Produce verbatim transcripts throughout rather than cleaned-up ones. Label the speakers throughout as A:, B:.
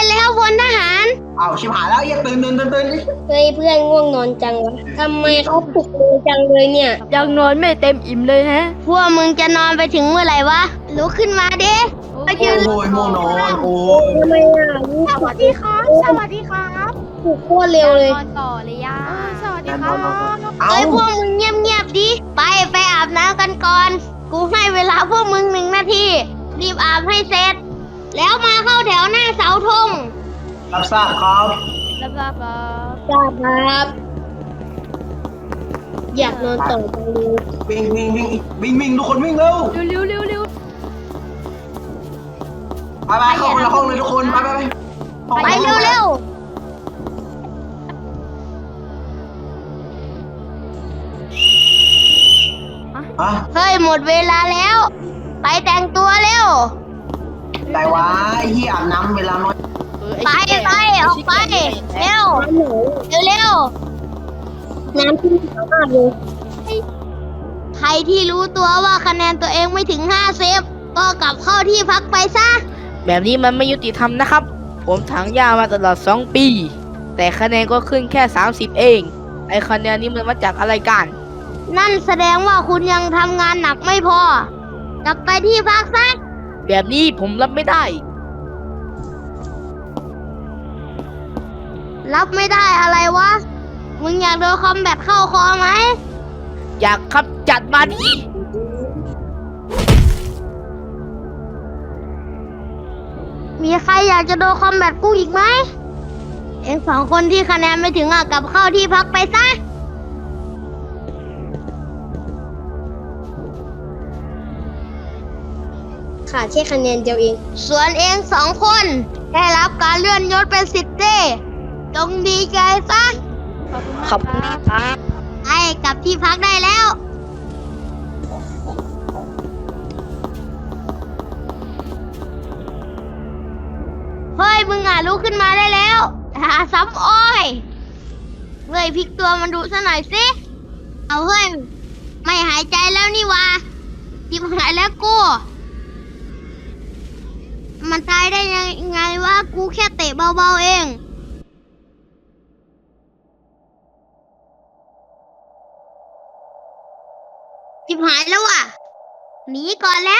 A: แล้วพลทหาร
B: อ้าวชิบหายแล้วอย่าตื่นตื่นตื่นตื่น
A: เฮ้ยเพื่อนง่วงนอนจังวะทำไมเขาปลุกมือจังเลยเนี่ย
C: ยังนอนไม่เต็มอิ่มเลยฮะ
A: พวกมึงจะนอนไปถึงเมื่อไหร่วะลุกขึ้นมาดิไปยืน
B: โอ้ยโมนอนโอ้ย
A: ทำไมอ่ะ
C: สวัสดีครับสวัสดีครับ
A: ปลุกโคตรเร็วเลย
C: นอนต่อเลยย่าสวัสดีครับ
B: เอ้า
A: เอ้ยพวกมึงเงียบๆดิไปไปอาบน้ำกันก่อนกูให้เวลาพวกมึงหนึ่งนาทีรีบอาบให้เสร็จแล้วมาเข้าแถวหน้าเสาธง
B: รับทราบครับ
C: รับทราบครับ
A: ทราบครับอยากนอนต่อจังเลย
B: วิ่งวิ่งวิ่งวิ่งวิ่งทุกคนวิ่งเร็ว
C: เร็วเร็วเร็ว
B: ไปไปเข้าคนละห้องเลยทุกคนไปไปไป
A: ไปเร็วๆ
B: อ่ะ
A: เฮ้ยหมดเวลาแล้ว ไปแต่งตัวเร็ว
B: แต่ว่าไอ้ที่อาบน้ำเวลาน้อย
A: ไปไปออกไปเร็วเร็วเร็วน้ำขึ้นมากเลยใครที่รู้ตัวว่าคะแนนตัวเองไม่ถึงห้าเซฟก็กลับเข้าที่พักไปซะ
D: แบบนี้มันไม่ยุติธรรมนะครับ ผมถังยามาตลอดสองปี แต่คะแนนก็ขึ้นแค่สามสิบเอง ไอคะแนนนี้มันมาจากอะไรกัน
A: นั่นแสดงว่าคุณยังทำงานหนักไม่พอ กลับไปที่พักซะ
D: แบบนี้ผมรับไม่ได้
A: รับไม่ได้อะไรวะ มึงอยากโดนคอมแบทเข้าคอไหม
D: อยากครับจัดมาดิ
A: มีใครอยากจะโดนคอมแบทกูอีกไหม เองสองคนที่คะแนนไม่ถึงอ่ะกลับเข้าที่พักไปซะ ขาดแค่คะแนนเดียวเอง ส่วนเองสองคนได้รับการเลื่อนยศเป็นสิบเต้จงดีใจซะ
D: ขอบคุณครับ
A: ไอ้กลับที่พักได้แล้ว เฮ้ย มึงอ่ะลุกขึ้นมาได้แล้วหาซ้ำอ้อย เฮ้ยพลิกตัวมันดูซะหน่อยสิ เอาเฮ้ย ไม่หายใจแล้วนี่วะทิบหายแล้วกู มันตายได้ยังไงวะ กูแค่เตะเบาๆเอง ทิบหายแล้วว่ะ หนีก่อนแล้ว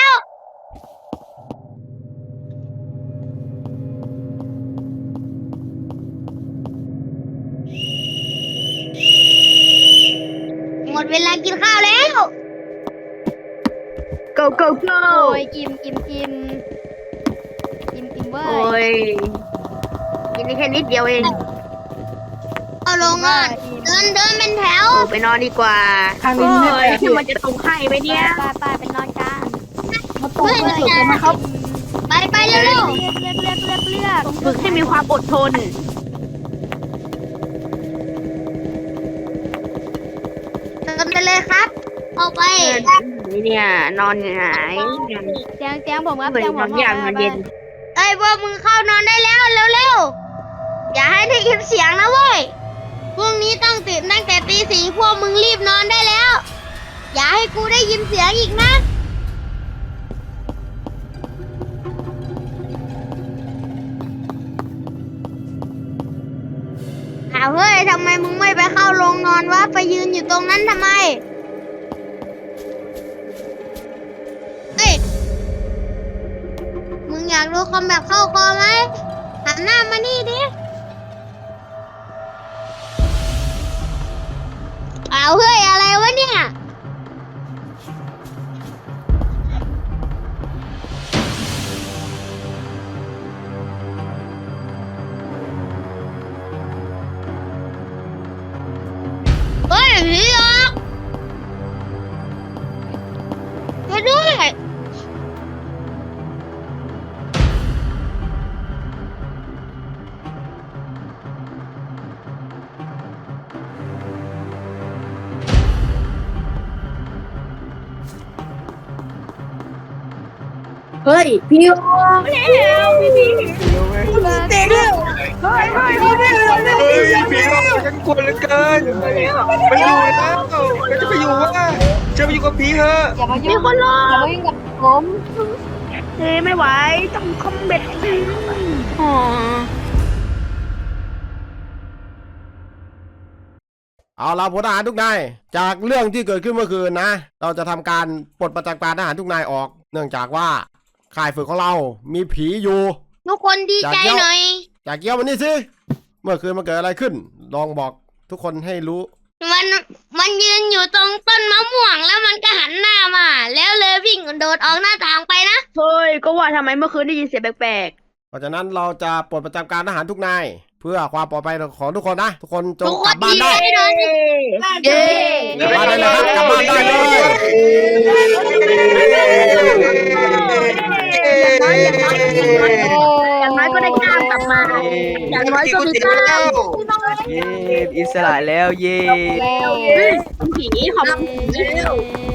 A: หมดเวลากินข้าวแล้ว
D: go go go
C: โอ้ยกิมกิมกิมกิมกิมเว้
D: โอ้
C: ย
D: ยกินได้แค่นิดเดียวเอง
A: เอาลงนอนเดินเดินเป็นแถว
D: โอ้ไปนอนดีกว่า
E: ทางนี้
D: โอ้
E: ไม่
D: ย
E: ได้
D: ที่มันจะตรงให้ไหมเนี่ย
C: ไปไปไปนอนกัน
E: มาตกไม่สุดเลยนะครับ
A: ไปไปเร็ว
C: เลือกเลือกเลือกเลือกเลือก
D: ฝึกให้มีความอดทน
A: ๆเดินไปเลยครับ ออกไป
D: นี่เนี่ยนอนหงาย
C: เตียงเตียงผมครับ
D: เหมือน
C: เตียงผ
D: นอ
C: ม
D: นอย่างมันเย็น
A: เอ้ยพวกมึงเข้านอนได้แล้วเร็วๆ อย่าให้ได้ยินเสียงนะเว้ย พรุ่งนี้ต้องตื่นตั้งแต่ตีสี่พวกมึงรีบนอนได้แล้ว อย่าให้กูได้ยินเสียงอีกนะ อ้าวเฮ้ยทำไมมึงไม่ไปเข้าโรงนอนวะ ไปยืนอยู่ตรงนั้นทำไม เอ้ย มึงอยากดูคอมแบบเข้าคอไหมหันหน้ามานี่ดิอ้าวเฮ้ย อะไรวะเนี่ย เฮ้ยผีหลอกช่วยด้วย
E: เฮ้ย พี่โอ
B: เฮ้ยผีหลอกฉันกลัวเหลือเกินไปอยู่แล้วเราจะไปอยู่ว่าจะไปอยู่กับผีเถอะ
C: อย่ามายุ่งคนรออย่ามายุ่งกับผม
D: เฮ้ไม่ไหวต้องคอมเบ็ดอ๋อ
F: เอาละพลทหารทุกนายจากเรื่องที่เกิดขึ้นเมื่อคืนนะเราจะทำการปลดประจำการทหารทุกนายออก เนื่องจากว่าค่ายฝึกของเรามีผีอยู่
A: ทุกคนดีใจหน่อย
F: จากเกี้ยววันนี้สิเมื่อคืนมันเกิดอะไรขึ้น ลองบอกทุกคนให้รู้
A: มันมันยืนอยู่ตรงต้นมะม่วงแล้วมันก็หันหน้ามา แล้วเลยวิ่งโดดออกหน้าต่างไปนะ
E: เฮ้ยก็ว่าทำไมเมื่อคืนได้ยินเสียงแปลก
F: เพราะฉะนั้นเราจะปลดประจำการทหารทุกนายเพื่อความปลอดภัยของทุกคนนะทุกคนจ
A: ทุ
F: ง
A: กค
F: กลั
A: น
F: บบ้า
A: ดี
F: น
A: ใจ
F: ได้
A: หน่อย
E: ๆเย้
F: กลับบ้านได้เลยครับกลับบ้านได้เลย
E: อย่างน้อยก็ได้กล้ามกลับมา อย่างน้อยก็มีกล้าม
B: เย้อิสระแล้วเย้
C: แล้ว
E: ผีขอบคุณ
C: เย้